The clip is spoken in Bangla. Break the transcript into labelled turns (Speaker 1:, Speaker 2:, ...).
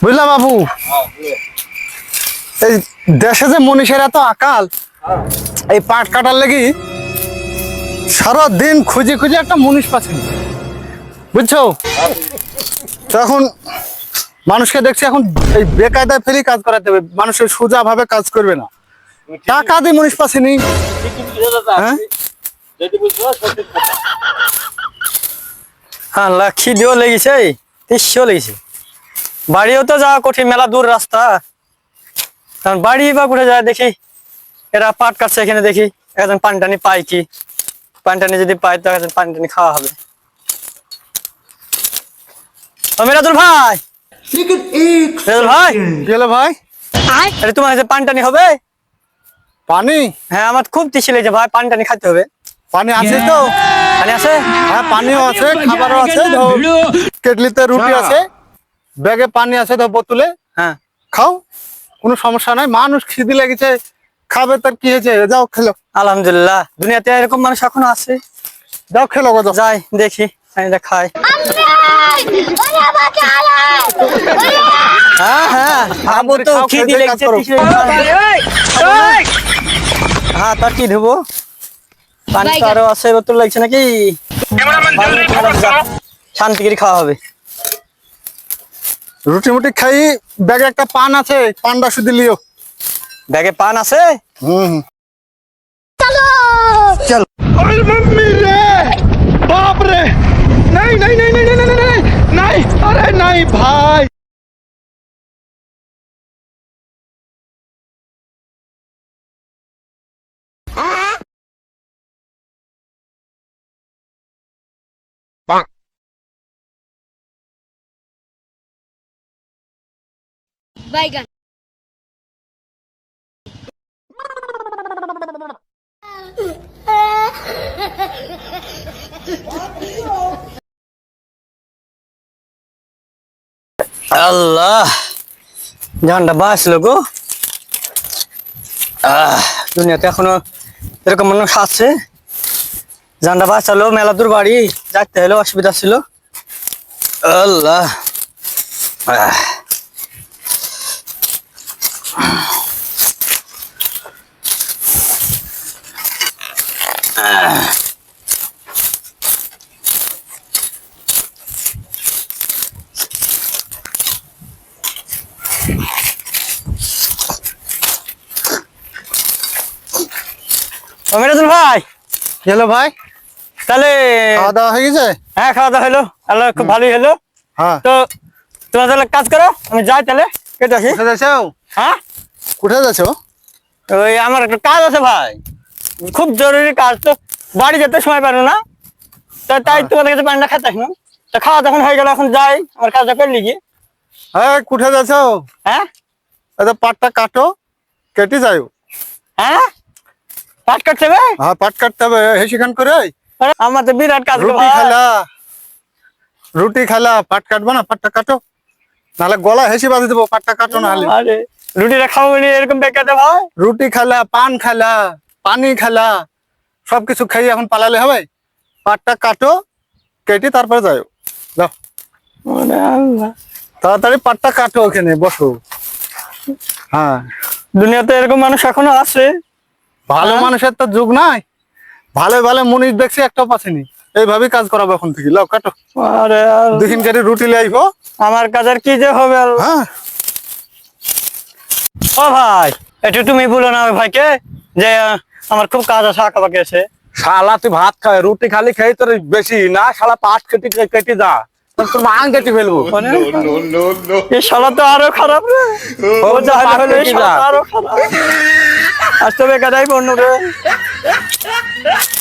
Speaker 1: বুঝলা বাবু, এই দেশে যে মনীষের এত আকাল, এই পাট কাটার লাগি সারাদিন খুঁজে খুঁজে একটা মনীষ পাচ্ছি, বুঝছো? তো এখন মানুষকে দেখছি এখন এই বেকায়দায় ফেরি কাজ করাতে হবে, মানুষের সোজা ভাবে কাজ করবে না, টাকা দিয়ে মনীষ পাচ্ছিনি।
Speaker 2: হ্যাঁ, খিদেও লেগেছে, তেষ্টিও লেগেছে। বাড়িও তো যাওয়া কঠিন, মেলা দূর রাস্তা। কারণ বাড়ি বা কোথায় যায় দেখি, এরা পাট কাটছে, এখানে দেখি একজন পানি টানি পাই কি, পানি টানি যদি পাই তো একজন পানি টানি খাওয়া হবে। মিরাজুল ভাই, মিরাজুল ভাই,
Speaker 1: গেল ভাই,
Speaker 2: আরে তোমার কাছে পানি টানি হবে?
Speaker 1: পানি?
Speaker 2: হ্যাঁ, আমার খুব তেষ্টি লেগেছে ভাই, পানি টানি খাইতে হবে।
Speaker 1: পানি আছে তো?
Speaker 2: পানি আছে?
Speaker 1: হ্যাঁ, পানিও আছে, খাবারও আছে, কেটলিতে রুটি আছে, ব্যাগে পানি আছে, বোতলে
Speaker 2: হ্যাঁ,
Speaker 1: খাও, কোনো সমস্যা নাই। মানুষ খিদে লেগেছে, খাবে, তার কি হয়েছে? যাও খেলো।
Speaker 2: আলহামদুলিল্লাহ, দুনিয়াতে এরকম মানুষ এখনো আছে।
Speaker 1: যাও খেলো গো, যাও।
Speaker 2: যাই দেখি, পানিটা খাই। হ্যাঁ হ্যাঁ, খাবো তো,
Speaker 1: খাও,
Speaker 2: খিদে
Speaker 1: খেয়ে
Speaker 2: লেগেছে।
Speaker 1: কাজ করো।
Speaker 2: হ্যাঁ, তার কি ধুবো? পানি তো আরো আছে, বোতল লাগছে নাকি? শান্তি করে খাওয়া হবে।
Speaker 1: রুটি মুটি খাই, ব্যাগে একটা পান আছে, পানটা শুধু লিও।
Speaker 2: ব্যাগে পান আছে?
Speaker 1: হুম,
Speaker 2: চল।
Speaker 1: अरे मम्मी रे, बाप रे, नहीं नहीं नहीं नहीं नहीं नहीं नहीं, अरे नहीं भाई।
Speaker 3: बैगन
Speaker 2: আল্লাহ, জানটা বাঁচলো গো। দুনিয়াতে এখনো এরকম মানুষ আছে। জানটা বাঁচালো, মেলা দূর বাড়ি যাইতে হলো, অসুবিধা ছিল। আল্লাহ, মিরাজুল ভাই,
Speaker 1: গেলো ভাই,
Speaker 2: তাহলে
Speaker 1: খাওয়া দাওয়া হয়ে গেছে?
Speaker 2: হ্যাঁ, খাওয়া দাওয়া হলো, আল্লাহ খুব ভালোই হলো।
Speaker 1: হ্যাঁ,
Speaker 2: তো তোমরা তাহলে কাজ করো, আমি যাই তাহলে, কেটে আসি।
Speaker 1: কোথায় যাচ্ছো?
Speaker 2: হ্যাঁ,
Speaker 1: কোথায় যাচ্ছো?
Speaker 2: ওই আমার একটা কাজ আছে ভাই, খুব জরুরি কাজ, তো বাড়ি যেতে সময় পারো না, তাই তোমাদের কাছে পানিটা খেতে আসলাম। তো খাওয়া যখন হয়ে গেল, এখন যাই, আমার কাজটা করলি কি।
Speaker 1: হ্যাঁ, কোথায় যাচ্ছো?
Speaker 2: হ্যাঁ
Speaker 1: এটা পাটটা কাটো, কেটে যাও।
Speaker 2: হ্যাঁ, পাট কাটছে ভাই?
Speaker 1: হ্যাঁ, পাট কাটতে হবে, হেসিখান করে।
Speaker 2: আমার তো বিরাট কাজ গো
Speaker 1: রুটি
Speaker 2: ভাই।
Speaker 1: খালা, রুটি খালা, পাট কাটবো না? পাটটা কাটো, নাহলে গলা হেসি বাঁধে দেবো। পাটটা কাটো না হলে।
Speaker 2: আরে রুটিটা খাবো নি এরকম বেকাতে ভাই?
Speaker 1: রুটি খালা, পান খালা, পানি খালা, সবকিছু খাই এখন পালালে হবে? পাটটা কাটো, কেটে তারপরে যাও। যাও
Speaker 2: ওরে আল্লাহ,
Speaker 1: তাড়াতাড়ি পাটটা কাটো, ওখানে বসো। হ্যাঁ,
Speaker 2: দুনিয়াতে এরকম মানুষ এখনো আছে।
Speaker 1: ভালো মানুষের তো যুগ নাই, ভালো ভালো মনীষ দেখছি, একটাও পাচ্ছিনি। এইভাবেই কাজ করাবো এখন থেকে। লাও কাটো,
Speaker 2: আরে আল্লাহ,
Speaker 1: দুদিন কেটে রুটি লে আইবো।
Speaker 2: আমার কাজ আর কি যে হবে আল্লাহ।
Speaker 1: হ্যাঁ,
Speaker 2: ও ভাই, একটু তুমি বলো না ওই ভাইকে যে আমার খুব কাজ আছে, আঁকা বাকি আছে।
Speaker 4: শালা তুই ভাত খায়, রুটি খালি খাই তোর বেশি না, শালা পাট কেটে কেটে যা, তোর মাং কেটে ফেলবো।
Speaker 2: এই শালা তো আরো খারাপ রে, ও যা হলো এই শালা তো আরো খারাপ। আজ তো বেকারাই বন্য রে।